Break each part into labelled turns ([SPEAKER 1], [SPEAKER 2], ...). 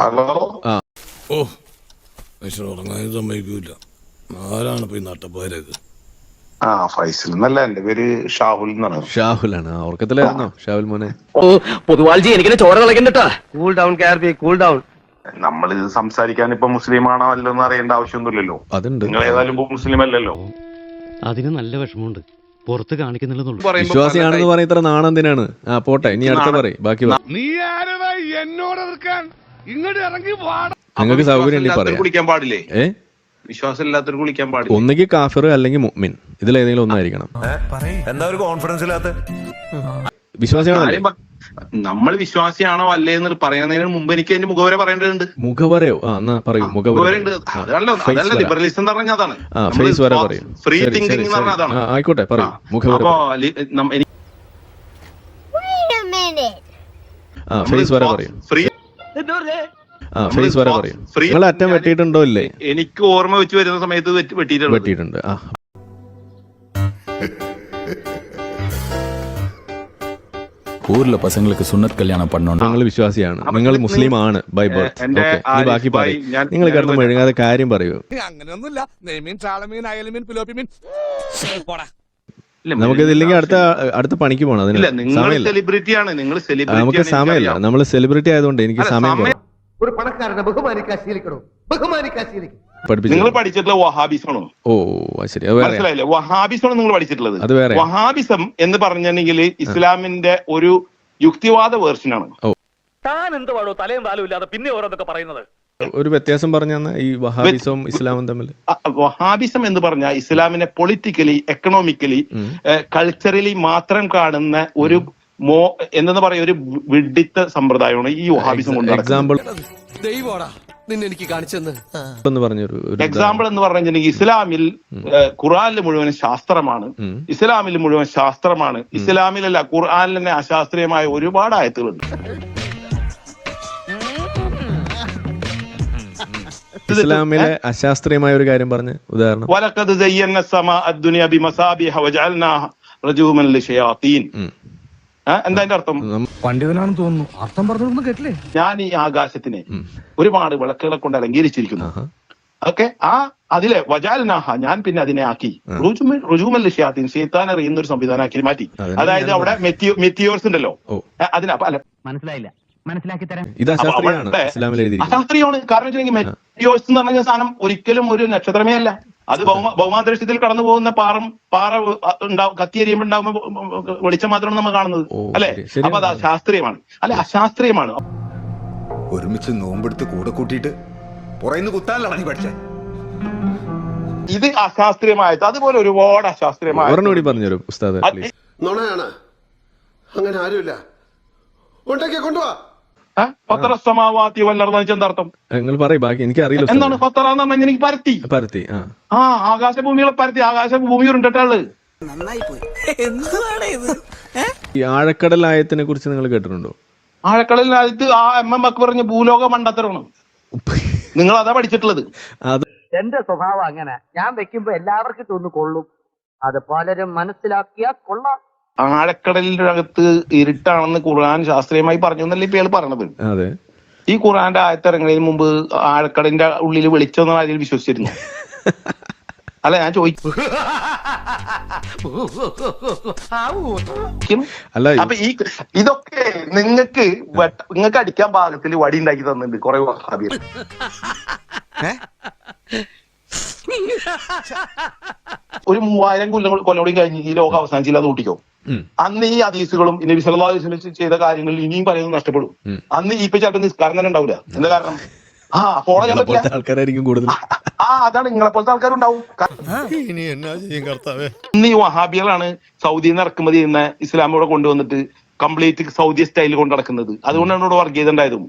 [SPEAKER 1] Hello.
[SPEAKER 2] ഓ മനുഷ്യൻ ഉറങ്ങാൻ സമ്മതിക്കൂല. ആരാണ് ഇപ്പൊ ഈ നട്ടപ്പാരൊക്കെ?
[SPEAKER 1] ഫൈസൽ എന്നല്ല, എന്റെ പേര് ഷാഹുൽ എന്നാണ്.
[SPEAKER 3] ഷാഹുലാണ്. ഉറക്കത്തിലായിരുന്നോ ഷാഹുൽ മോനെ?
[SPEAKER 4] പൊതുവാൾജി എനിക്ക് ചോര കളക്കണ്ടട്ടാ. കൂൾ ഡൗൺ കാർബി, കൂൾ ഡൗൺ.
[SPEAKER 1] നമ്മൾ ഇത് സംസാരിക്കാൻ ഇപ്പൊ മുസ്ലിം ആണോ അല്ലെന്ന് അറിയേണ്ട ആവശ്യമൊന്നുമില്ലല്ലോ.
[SPEAKER 3] അതുണ്ട്.
[SPEAKER 1] നിങ്ങൾ ഏതായാലും ഇപ്പൊ മുസ്ലിം അല്ലല്ലോ.
[SPEAKER 5] അതിന് നല്ല വിഷമമുണ്ട്, പുറത്ത് കാണിക്കുന്നില്ലെന്നുള്ളൂ.
[SPEAKER 3] വിശ്വാസിയാണെന്ന് പറയാൻ ഇത്ര നാണെന്തിനാണ്? പോട്ടെ, ഇനി അടുത്ത പറയും. ബാക്കി
[SPEAKER 2] നീ ആരടാ എന്നോട് എതിർക്കാൻ? ഇങ്ങോട്ട് ഇറങ്ങി വാടാ.
[SPEAKER 3] നിങ്ങൾക്ക് സൗകര്യം പറയാം.
[SPEAKER 1] കുളിക്കാൻ പാടില്ലേ? വിശ്വാസം ഇല്ലാത്തവർ കുളിക്കാൻ പാടില്ല.
[SPEAKER 3] ഒന്നുകിൽ കാഫിർ അല്ലെങ്കിൽ മുഅ്മിൻ, ഇതിലേതെങ്കിലും ഒന്നായിരിക്കണം.
[SPEAKER 6] എന്താ ഒരു കോൺഫിഡൻസ് ഇല്ലാത്ത?
[SPEAKER 3] വിശ്വാസിയാണല്ലേ?
[SPEAKER 1] നമ്മൾ വിശ്വാസിയാണോ അല്ലേ എന്ന് പറയുന്നതിന് മുമ്പ് എനിക്ക് അതിന്റെ മുഖവര പറയേണ്ടതുണ്ട്.
[SPEAKER 3] മുഖവരയോ? എന്നാ പറയൂ.
[SPEAKER 1] മുഖവരുണ്ട്. അതല്ല ലിബറലിസം എന്ന് പറഞ്ഞാൽ അതാണ്.
[SPEAKER 3] ഫേസ് വരെ പറയൂ.
[SPEAKER 1] ഫ്രീ തിങ്കിങ് എന്ന് പറഞ്ഞാൽ അതാണ്.
[SPEAKER 3] ആയിക്കോട്ടെ, പറയൂ. മുഖവര. ഫേസ് വരെ പറയൂ. ഫേസ് വരെ പറയും. നിങ്ങൾ അറ്റം വെട്ടിയിട്ടുണ്ടോ ഇല്ലേ?
[SPEAKER 1] എനിക്ക് ഓർമ്മ വെച്ച് വരുന്ന സമയത്ത് വെട്ടിയിട്ടുണ്ട്.
[SPEAKER 7] ஊர்ல பசங்களுக்கு சுன்னத் கல்யாணம் பண்ணணும்.
[SPEAKER 3] നിങ്ങൾ വിശ്വാസിയാണ്, നിങ്ങൾ മുസ്ലിം ആണ് ബൈ ബർത്ത്. നീ ബാക്കി പറയും. നിങ്ങൾ കിടന്ന് മെഴുകാതെ കാര്യം പറയൂ.
[SPEAKER 2] അങ്ങനെയൊന്നുമില്ല. നെയ്മീൻ, ചാളമീൻ, അയലമീൻ, പിലോപ്പിമീൻ.
[SPEAKER 3] നമുക്കിതില്ലെങ്കിൽ അടുത്ത പണിക്ക് പോകണം. അതിന് സമയമില്ല. നമുക്ക് സമയമില്ല. നമ്മൾ സെലിബ്രിറ്റി ആയതുകൊണ്ട് എനിക്ക് സമയം.
[SPEAKER 4] ഒരു പണക്കാരനെ ബഹുമാനിക്കാൻ ശീലിക്കണോ? ബഹുമാനിക്കാൻ ശീലിക്കും.
[SPEAKER 1] നിങ്ങൾ പഠിച്ചിട്ടുള്ള വഹാബിസമാണോ?
[SPEAKER 3] ഓ ശരി,
[SPEAKER 1] മനസ്സിലായില്ലേ? വഹാബിസമാണ് നിങ്ങൾ പഠിച്ചിട്ടുള്ളത്.
[SPEAKER 3] അത് വേറെ.
[SPEAKER 1] വഹാബിസം എന്ന് പറഞ്ഞിട്ടുണ്ടെങ്കിൽ ഇസ്ലാമിന്റെ ഒരു യുക്തിവാദ വേർഷനാണ്.
[SPEAKER 4] താൻ എന്ത് പാടോ തലയും താലും ഇല്ലാതെ പിന്നെ ഓരോന്നൊക്കെ പറയുന്നത്?
[SPEAKER 3] ഒരു വ്യത്യാസം പറഞ്ഞ ഈ വഹാബിസവും ഇസ്ലാമും തമ്മിൽ.
[SPEAKER 1] വഹാബിസം എന്ന് പറഞ്ഞാൽ ഇസ്ലാമിനെ പൊളിറ്റിക്കലി, എക്കണോമിക്കലി, കൾച്ചറലി മാത്രം കാണുന്ന ഒരു എന്തെന്ന് പറയാ ഒരു വിഡിത്ത സമ്പ്രദായമാണ് ഈ വഹാബിസം കൊണ്ട്.
[SPEAKER 3] എക്സാമ്പിൾ
[SPEAKER 5] എനിക്ക് കാണിച്ചെന്ന്
[SPEAKER 1] എക്സാമ്പിൾ എന്ന് പറഞ്ഞിട്ടുണ്ടെങ്കിൽ ഇസ്ലാമിൽ ഖുർആനിൽ മുഴുവൻ ശാസ്ത്രമാണ്. ഇസ്ലാമിൽ മുഴുവൻ ശാസ്ത്രമാണ്. ഇസ്ലാമിലല്ല, ഖുർആനിൽ തന്നെ അശാസ്ത്രീയമായ ഒരുപാട് ആയത്തുകളുണ്ട്.
[SPEAKER 3] ഇസ്ലാമിലെ അശാസ്ത്രീയമായ ഒരു കാര്യം പറഞ്ഞ ഉദാഹരണം.
[SPEAKER 1] വലഖദ് സയ്യന്ന സമാഅ അദ്ദുനിയ ബിമസാബിഹ വജഅൽനാ റജൂമൻ ലിശയാതീൻ. എന്താ അതിന്റെ അർത്ഥം?
[SPEAKER 2] പണ്ഡിതനാണെന്ന് തോന്നുന്നു. അർത്ഥം പറഞ്ഞൊന്നും കേട്ടില്ലേ?
[SPEAKER 1] ഞാൻ ഈ ആകാശത്തിനെ ഒരുപാട് വിളക്കുകളെ കൊണ്ട് അലങ്കരിച്ചിരിക്കുന്നു. ഓക്കെ, അതിലെ വജാൽനാഹ, ഞാൻ പിന്നെ അതിനെ ആക്കി റുജൂമൽ ലിശയാതീൻ, ശൈത്താൻ എറിയുന്ന ഒരു സംവിധാനമാക്കി മാറ്റി. അതായത് അവിടെ മെറ്റിയോർസ് ഉണ്ടല്ലോ, അതിന്
[SPEAKER 4] മനസ്സിലായില്ല, മനസ്സിലാക്കി തരാം.
[SPEAKER 3] ഇത്
[SPEAKER 1] അശാസ്ത്രീയമാണ്. കാരണം വെച്ചിട്ടുണ്ടെങ്കിൽ മെറ്റിയോർസ് എന്ന് പറഞ്ഞ സാധനം ഒരിക്കലും ഒരു നക്ഷത്രമേ അല്ല. അത് ഭൗമാന്തരീക്ഷത്തിൽ കടന്നു പോകുന്ന പാറ കത്തിയെരിയുമ്പോൾ ഉണ്ടാകുമ്പോൾ വെളിച്ചം മാത്രമാണ് നമ്മൾ കാണുന്നത്, അല്ലെ? അപ്പൊ അത് അശാസ്ത്രീയമാണ്. അല്ലെ, അശാസ്ത്രീയമാണ്.
[SPEAKER 6] ഒരുമിച്ച് നോമ്പെടുത്ത് കൂടെ കൂട്ടിയിട്ട് പുറയുന്ന കുത്താനല്ല നീ പഠിച്ചേ.
[SPEAKER 1] ഇത് അശാസ്ത്രീയമായത്. അതുപോലെ ഒരുപാട് അശാസ്ത്രീയമായ
[SPEAKER 3] പറഞ്ഞുതരും ഉസ്താദ്.
[SPEAKER 8] നുണയാണ്, അങ്ങനെ ആരുമില്ല. ഉണ്ടാക്കിയ കൊണ്ടുപോവാ.
[SPEAKER 1] പത്തറസമാവാത്തി വല്ലർന്ന് എന്താർത്ഥം?
[SPEAKER 3] നിങ്ങൾ പറയും, ബാക്കി എനിക്ക് അറിയില്ല.
[SPEAKER 1] എന്താണ് പത്തറ എന്ന് പറഞ്ഞാൽ? എനിക്ക് പരത്തി ആകാശഭൂമികളെ പരത്തി, ആകാശഭൂമി ഉരുണ്ടിട്ടുള്ളത്.
[SPEAKER 3] ഈ ആഴക്കടൽ ആയത്തിനെ കുറിച്ച് നിങ്ങൾ കേട്ടിട്ടുണ്ടോ?
[SPEAKER 1] ആഴക്കടലിനകത്ത് MM ഒക്കെ പറഞ്ഞ ഭൂലോക മണ്ടത്തരമാണ്. നിങ്ങൾ അതാ പഠിച്ചിട്ടുള്ളത്.
[SPEAKER 4] എന്റെ സ്വഭാവം അങ്ങനെ, ഞാൻ വെക്കുമ്പോ എല്ലാവർക്കും തോന്നു കൊള്ളും. അത് പലരും മനസ്സിലാക്കിയാ കൊള്ളാം.
[SPEAKER 1] ആഴക്കടലിന്റെ അകത്ത് ഇരുട്ടാണെന്ന് ഖുർആൻ ശാസ്ത്രീയമായി പറഞ്ഞു എന്നല്ലേ ഇപ്പൊ ഇയാൾ പറഞ്ഞത്?
[SPEAKER 3] അതെ.
[SPEAKER 1] ഈ ഖുർആന്റെ ആയത്തിറങ്ങുന്നതിന് മുമ്പ് ആഴക്കടലിന്റെ ഉള്ളിൽ വെളിച്ചൊന്നും അതിൽ വിശ്വസിച്ചിരുന്നു? അല്ല, ഞാൻ ചോദിച്ചു. അപ്പൊ ഇതൊക്കെ നിങ്ങൾക്ക് അടിക്കാൻ പാകത്തിൽ വടി ഉണ്ടാക്കി തന്നിട്ടുണ്ട് കുറെ വഹാബികൾ. ഒരു 3000 കൊല്ലോടി കഴിഞ്ഞ് ഈ ലോകം അവസാനിച്ചില്ല, അത് കൂട്ടിക്കോ. അന്ന് ഈ ഹദീസുകളും നബി സല്ലല്ലാഹു അലൈഹി വസല്ലം ചെയ്ത കാര്യങ്ങളിൽ ഇനിയും പലതും നഷ്ടപ്പെടും. അന്ന് ഈ ചിലപ്പോൾ നിസ്കാരം തന്നെ ഉണ്ടാവില്ല. എന്താ കാരണം? ഫോളോ ചെയ്യാൻ പറ്റില്ല.
[SPEAKER 3] ആൾക്കാരായിരിക്കും കൂടുതൽ.
[SPEAKER 1] അതാണ്, നിങ്ങളെ പോലത്തെ ആൾക്കാരുണ്ടാവും. ഇന്ന് ഈ വഹാബികളാണ് സൗദിയിൽ നിന്ന് ഇറക്കുമതി ചെയ്യുന്ന ഇസ്ലാം ഇവിടെ കൊണ്ടുവന്നിട്ട് കംപ്ലീറ്റ് സൗദി സ്റ്റൈലിൽ കൊണ്ട് നടക്കുന്നത്. അതുകൊണ്ടാണ് ഇവിടെ വർഗീയത ഉണ്ടായതും.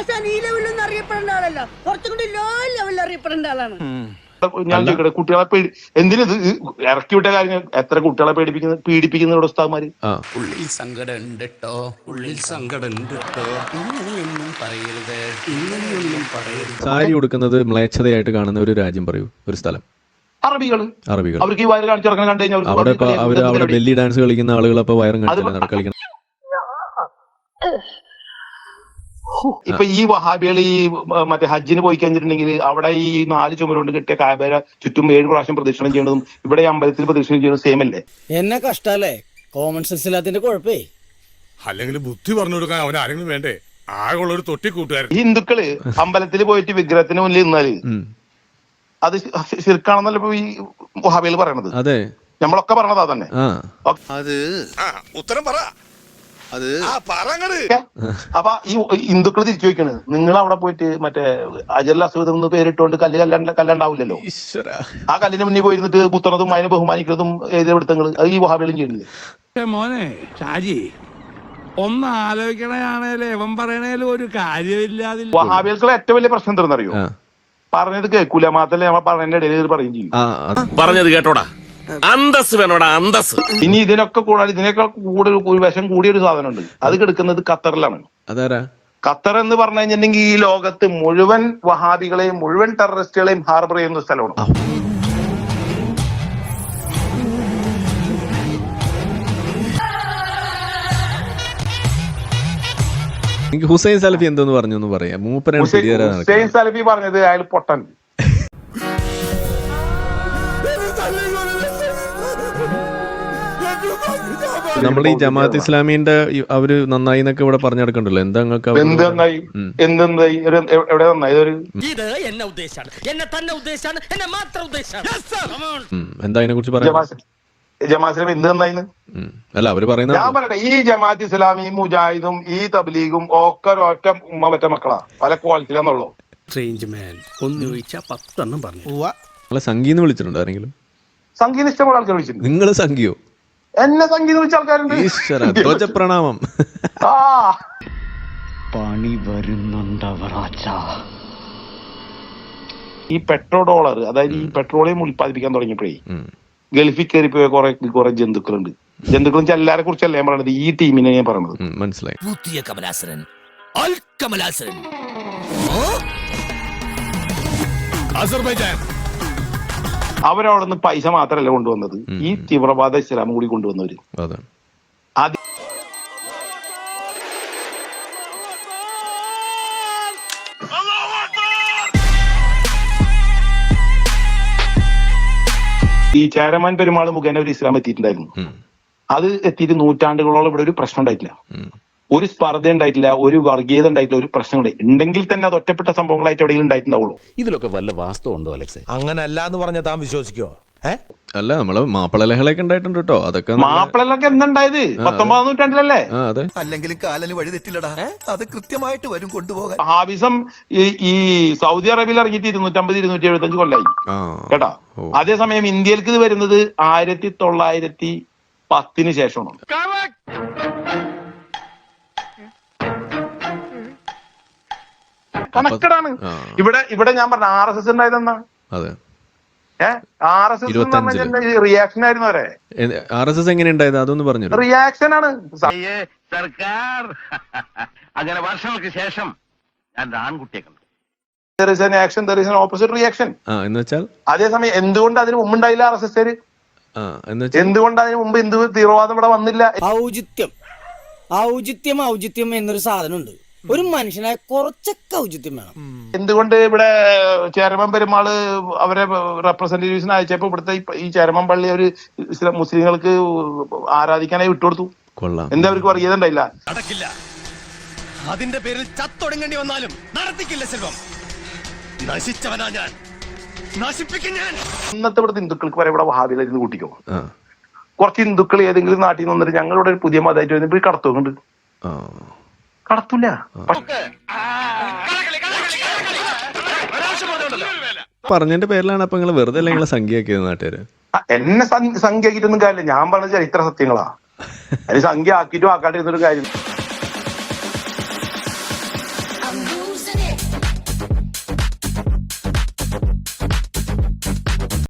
[SPEAKER 1] ഞാൻ ചോദിക്കട്ടെ, കുട്ടികളെ എന്തിനത് ഇറക്കി വിട്ട കാര്യങ്ങൾ എത്ര കുട്ടികളെ പീഡിപ്പിക്കുന്ന ഇവിടെ ഉസ്താദ്മാര്?
[SPEAKER 5] ഉള്ളിൽ സങ്കടം ഉണ്ട് ട്ടോ, ഉള്ളിൽ സങ്കടം ഉണ്ട് ട്ടോ, ഇങ്ങനെയൊന്നും പറയരുത്, ഇങ്ങനെയൊന്നും പറയരുത്.
[SPEAKER 3] സാരി ഉടുക്കുന്നത് മ്ലേച്ഛതയായിട്ട് കാണുന്ന ഒരു രാജ്യം പറയൂ, ഒരു സ്ഥലം.
[SPEAKER 1] അറബികൾ. അവർക്ക് ഈ വയറ് കാണിച്ചിറങ്ങാൻ കണ്ടു കഴിഞ്ഞാൽ
[SPEAKER 3] അവിടെ ബെല്ലി ഡാൻസ് കളിക്കുന്ന ആളുകൾ അപ്പൊ വയറും കാണിച്ചില്ല കളിക്കണം.
[SPEAKER 1] ഇപ്പൊ ഈ വഹാബികൾ ഈ മറ്റേ ഹജ്ജിന് പോയി കഴിഞ്ഞിട്ടുണ്ടെങ്കിൽ അവിടെ ഈ 4 ചുമരുകൊണ്ട് കിട്ടിയ കാബേര ചുറ്റും 7 പ്രാവശ്യം പ്രദക്ഷിണം ചെയ്യുന്നതും ഇവിടെ അമ്പലത്തിൽ പ്രദക്ഷിണം ചെയ്യുന്നതും സെയിം അല്ലേ?
[SPEAKER 9] എന്നെ കഷ്ടല്ലേ കോമൺ സെൻസ് ഇല്ലാത്തിന്റെ കുഴപ്പേ.
[SPEAKER 2] അല്ലെങ്കിൽ ബുദ്ധി പറഞ്ഞു കൊടുക്കാൻ അവൻ ആരെങ്കിലും വേണ്ടേ? ആകെയുള്ള ഒരു തൊട്ടി കൂട്ടുകാരൻ.
[SPEAKER 1] ഈ ഹിന്ദുക്കള് അമ്പലത്തിൽ പോയിട്ട് വിഗ്രഹത്തിന് മുന്നിൽ നിന്നാല് അത് ശിർക്കാണെന്നല്ല ഇപ്പൊ ഈ വഹാബികൾ പറയണത്.
[SPEAKER 3] അതെ,
[SPEAKER 1] നമ്മളൊക്കെ പറഞ്ഞതാ തന്നെ.
[SPEAKER 8] അത്
[SPEAKER 2] ഉത്തരം പറ.
[SPEAKER 8] അത്
[SPEAKER 1] അപ്പൊ ഈ ഹിന്ദുക്കൾ തിരിച്ചു ചോദിക്കണ്, നിങ്ങൾ അവിടെ പോയിട്ട് മറ്റേ അജൽ അസുഖം എന്ന് പേരിട്ടുകൊണ്ട് കല്ലുണ്ടാവില്ലല്ലോ, ആ കല്ലിന് മുന്നിൽ പോയിരുന്നിട്ട് കുത്തുന്നതും അതിനെ ബഹുമാനിക്കുന്നതും എഴുതിയെടുത്തങ്ങൾ അത് ഈ വഹാബികളും ചെയ്യുന്നില്ലേ?
[SPEAKER 2] മോനെ ഷാജി ഒന്ന് ആലോചിക്കണേയാണേലും ഇവൻ പറയണേലും ഒരു കാര്യമില്ലാതെ.
[SPEAKER 1] വഹാബികൾക്കുള്ള ഏറ്റവും വലിയ പ്രശ്നം എന്താണെന്നറിയോ? പറഞ്ഞത് കേൾക്കൂല, മാത്രമല്ല നമ്മൾ പറഞ്ഞതിന്റെ ഇടയിൽ പറയും ചെയ്യും.
[SPEAKER 5] പറഞ്ഞത് കേട്ടോടാ, അന്തസ് വേണോടാ, അന്തസ്.
[SPEAKER 1] ഇനി ഇതിനൊക്കെ കൂടാതെ ഇതിനേക്കാൾ കൂടുതൽ ഒരു വിഷം കൂടിയൊരു സാധനമുണ്ട്, അത് കിടക്കുന്നത് ഖത്തറിലാണ്.
[SPEAKER 3] അതാരാ?
[SPEAKER 1] ഖത്തർ എന്ന് പറഞ്ഞു കഴിഞ്ഞിട്ടുണ്ടെങ്കിൽ ഈ ലോകത്ത് മുഴുവൻ വഹാബികളെയും മുഴുവൻ ടെററിസ്റ്റുകളെയും ഹാർബർ ചെയ്യുന്ന സ്ഥലമാണ്.
[SPEAKER 3] എനിക്ക് ഹുസൈൻ സലഫി എന്തോന്ന് പറഞ്ഞു എന്ന് പറയാം.
[SPEAKER 1] ഹുസൈൻ സലഫി പറഞ്ഞത് അയാൾ പൊട്ടൻ.
[SPEAKER 3] നമ്മുടെ ഈ ജമാഅത്ത് ഇസ്ലാമിന്റെ അവര് നന്നായി എന്നൊക്കെ ഇവിടെ പറഞ്ഞു നടക്കണ്ടല്ലോ. എന്താ
[SPEAKER 1] എന്ത് നന്നായി? എന്തെന്നായി? എവിടെ നന്നായി?
[SPEAKER 9] ഇത് എന്നെ ഉദ്ദേശാണ്, എന്നെ തന്നെ ഉദ്ദേശാണ്, എന്നെ മാത്രം ഉദ്ദേശാണ്.
[SPEAKER 3] എന്താ അതിനെ കുറിച്ച് പറയാം?
[SPEAKER 1] ജമാഅത്ത് ഇസ്ലാമി എന്ത് നന്നായിന്ന്?
[SPEAKER 3] അല്ല അവര് പറയുന്നത്
[SPEAKER 1] ഞാൻ പറയട്ടെ, ഈ ജമാഅത്ത് ഇസ്ലാമി മുജാഹിദും ഈ തബ്ലീഗും ഒക്കെ ഒറ്റ ഉമ്മ പറ്റ മക്കളാ, പല ക്വാളിറ്റിയിലാന്നുള്ളൂ.
[SPEAKER 5] ഒന്ന് ചോദിച്ചാ 10 എണ്ണം പറഞ്ഞു.
[SPEAKER 3] നിങ്ങളെ സംഗീന്ന് വിളിച്ചിട്ടുണ്ടോ ആരെങ്കിലും?
[SPEAKER 1] സംഗീതം ഇഷ്ടമുള്ള ആൾക്കാർ വിളിച്ചിട്ടുണ്ട്.
[SPEAKER 3] നിങ്ങള് സംഗീയോ?
[SPEAKER 1] എന്നെ സംഗീതം വിളിച്ച ആൾക്കാരുണ്ട്.
[SPEAKER 3] ഈശ്വര, ധ്വജപ്രണാമം.
[SPEAKER 9] പണി വരുന്നുണ്ടവറാച്ച.
[SPEAKER 1] ഈ പെട്രോ ഡോളർ, അതായത് ഈ പെട്രോളിയം ഉൽപ്പാദിപ്പിക്കാൻ തുടങ്ങിയപ്പോഴേ ഗൾഫിൽ കയറിപ്പോയ കുറെ ജന്തുക്കളുണ്ട്. ജന്തുക്കളും എല്ലാരെ കുറിച്ചല്ല ഞാൻ പറയണത്, ഈ ടീമിനെ ഞാൻ പറയണത്.
[SPEAKER 3] മനസ്സിലായി.
[SPEAKER 5] പുതിയ കമലാസരൻ, അൽ കമലാസരൻ.
[SPEAKER 1] അവരവിടെ നിന്ന് പൈസ മാത്രമല്ല കൊണ്ടുവന്നത്, ഈ തീവ്രവാദ ഇസ്ലാം കൂടി കൊണ്ടുവന്നവര്. ഈ ചേരമാൻ പെരുമാൾ മുഖേന ഒരു ഇസ്ലാം എത്തിയിട്ടുണ്ടായിരുന്നു. അത് എത്തിയിട്ട് നൂറ്റാണ്ടുകളോളം ഇവിടെ ഒരു പ്രശ്നം ഉണ്ടായിട്ടില്ല, ഒരു സ്പർദ്ധ ഉണ്ടായിട്ടില്ല, ഒരു വർഗീയത ഉണ്ടായിട്ടില്ല, ഒരു പ്രശ്നം ഉണ്ടെങ്കിൽ തന്നെ അത് ഒറ്റപ്പെട്ട സംഭവങ്ങളായിട്ട് എവിടെയെങ്കിലും ഉണ്ടായിട്ടുണ്ടാവുള്ളൂ.
[SPEAKER 5] ഇതിലൊക്കെ വല്ല വാസ്തവം ഉണ്ടോ അലക്സേ?
[SPEAKER 10] അങ്ങനെ അല്ല എന്ന് പറഞ്ഞാൽ താൻ വിശ്വസിക്കോ?
[SPEAKER 3] അല്ല, നമ്മള് മാപ്പിള ലഹളയൊക്കെ ഉണ്ടായിട്ടുണ്ട് കേട്ടോ. അതൊക്കെ
[SPEAKER 1] മാപ്പിളൊക്കെ എന്തുണ്ടായത് 19-ാം നൂറ്റാണ്ടിലല്ലേ?
[SPEAKER 10] അല്ലെങ്കിൽ കാലന് വഴി തെറ്റില്ലടാ, അത് കൃത്യമായിട്ട് വരും കൊണ്ടുപോകാൻ.
[SPEAKER 1] ഹാബിസം ഈ സൗദി അറേബ്യയിൽ ഇറങ്ങിയിട്ട് 250-275 കൊല്ലായി കേട്ടാ. അതേസമയം ഇന്ത്യയിലേക്ക് ഇത് വരുന്നത് 1910 ശേഷമാണ്. കണക്കടാണ്. ഇവിടെ ഞാൻ പറഞ്ഞ RSS ഉണ്ടായതെന്നാ. റിയാക്ഷൻ ആയിരുന്നു വരെ.
[SPEAKER 3] RSS എങ്ങനെ ഉണ്ടായത് അതൊന്ന് പറഞ്ഞു.
[SPEAKER 1] റിയാക്ഷൻ ആണ്.
[SPEAKER 4] സർക്കാർ അങ്ങനെ വർഷങ്ങൾക്ക് ശേഷം ഞാൻ ആൺകുട്ടിയെ കണ്ടു.
[SPEAKER 1] There is an action, there is an opposite reaction.
[SPEAKER 3] എന്ന് വെച്ചാൽ
[SPEAKER 1] അതേസമയം എന്തുകൊണ്ട് അതിന് മുമ്പ് ഉണ്ടായില്ല RSS? എന്തുകൊണ്ട് അതിന് മുമ്പ് എന്ത് തീവ്രവാദം ഇവിടെ വന്നില്ല?
[SPEAKER 9] ഔചിത്യം എന്നൊരു സാധനമുണ്ട്. ഒരു മനുഷ്യനായ കുറച്ചൊക്കെ ഔചിത്യം വേണം.
[SPEAKER 1] എന്തുകൊണ്ട് ഇവിടെ ചേരമൻ പെരുമാള് അവരെ റെപ്രസെന്റേറ്റീവ്സിന് അയച്ചപ്പോ ഇവിടുത്തെ ഈ ചേരമൻ പള്ളി ഒരു മുസ്ലിങ്ങൾക്ക് ആരാധിക്കാനായി വിട്ടുകൊടുത്തു? എന്താ അവർക്ക് വർഗീയത ഉണ്ടായില്ല?
[SPEAKER 10] നടക്കില്ല. അതിന്റെ പേരിൽ ചത്തൊടുങ്ങേണ്ടി വന്നാലും നടത്തിക്കില്ല സെൽവം. നശിച്ചവനാ ഞാൻ, നശിപ്പിക്കും ഞാൻ.
[SPEAKER 1] ഇന്നത്തെ ഇവിടുത്തെ ഹിന്ദുക്കൾക്ക് വരെ ഇവിടെ വഹാബികളായിരുന്നു കൂട്ടിക്കോ. കുറച്ച് ഹിന്ദുക്കൾ ഏതെങ്കിലും നാട്ടിൽ നിന്ന് വന്നിട്ട് ഞങ്ങളിവിടെ ഒരു പുതിയ മതമായിട്ട് വരുമ്പോൾ കടത്തുന്നുണ്ട്. കടത്തൂല.
[SPEAKER 3] പറഞ്ഞതിന്റെ പേരിലാണ് അപ്പൊ നിങ്ങൾ വെറുതെ അല്ല നിങ്ങളെ സംഖ്യയാക്കിയത് നാട്ടുകാര്?
[SPEAKER 1] എന്നെ സംഖ്യ ആക്കിയിട്ടൊന്നും കാര്യമില്ല, ഞാൻ പറഞ്ഞ ചരിത്ര സത്യങ്ങളാ. അതിന് സംഖ്യ ആക്കിയിട്ടും ആക്കാണ്ടിരുന്നൊരു കാര്യം.